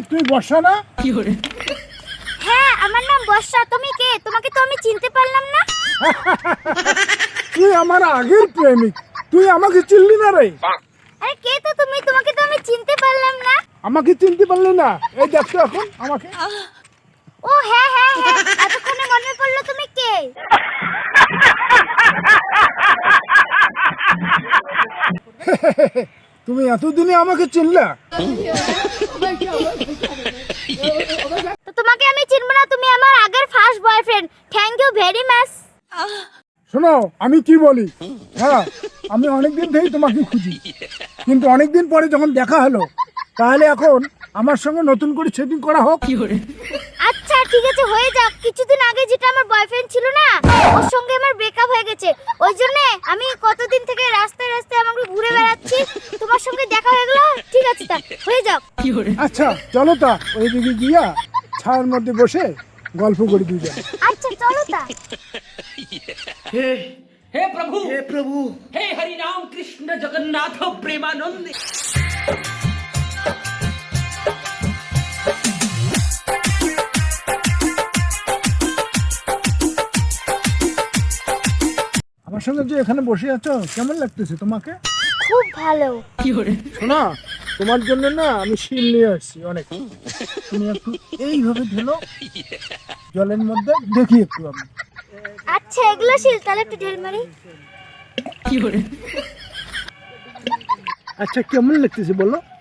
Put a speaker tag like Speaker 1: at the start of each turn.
Speaker 1: তুমি বর্ষা না?
Speaker 2: হ্যাঁ আমার নাম বর্ষা। তুমি কে? তোমাকে তো আমি চিনতে পারলাম না।
Speaker 1: তুই আমার আগের প্রেমিক, তুই আমাকে চিনলি না রে?
Speaker 2: আরে কে তো তুমি? তোমাকে তো আমি চিনতে পারলাম না।
Speaker 1: আমাকে চিনতে পারলি না? এই দেখতো এখন আমাকে।
Speaker 2: ও হ্যাঁ হ্যাঁ হ্যাঁ, এতক্ষণে মনে পড়লো তুমি কে।
Speaker 1: তুমি এতদিনে আমাকে চিনলা?
Speaker 2: তো তোমাকে আমি চিনব না? তুমি আমার আগের first boyfriend. Thank you very much.
Speaker 1: শোনো আমি কি বলি, হ্যাঁ আমি অনেকদিন থেকেই তোমাকে খুঁজি, কিন্তু অনেকদিন পরে যখন দেখা হলো, তাহলে এখন আমার সঙ্গে নতুন করে সেটিং করা হোক।
Speaker 2: আচ্ছা ঠিক আছে, হয়ে যাক। কিছুদিন আগে যেটা আমার বয়ফ্রেন্ড ছিল না, ওর সঙ্গে আমার ব্রেকআপ হয়ে গেছে। ওই জন্য আমি কতদিন থেকে রাস্তায় রাস্তায় আমাকে ঘুরে বেড়াচ্ছি। তোমার সঙ্গে দেখা হয়ে গেল, ঠিক আছে তা হয়ে যাক।
Speaker 1: আচ্ছা চলো তা ওইদিকে গিয়া ছায়ার মধ্যে বসে গল্প করি দুজন।
Speaker 2: আচ্ছা চলো তা।
Speaker 3: हे हे प्रभु हे हरि राम कृष्ण जगन्नाथ प्रेमानंद।
Speaker 1: আমার সঙ্গে যে এখানে বসে আছো কেমন লাগতেছে তোমাকে?
Speaker 2: খুব ভালো।
Speaker 1: শোনা, তোমার জন্য না আমি শিল নিয়ে আসছি অনেক। তুমি একটু এইভাবে ঢেলো জলের মধ্যে, দেখি একটু আমি।
Speaker 2: আচ্ছা এগুলো শিল, তাহলে একটু ঢেল মারি।
Speaker 1: আচ্ছা কেমন লাগতেছে বলো?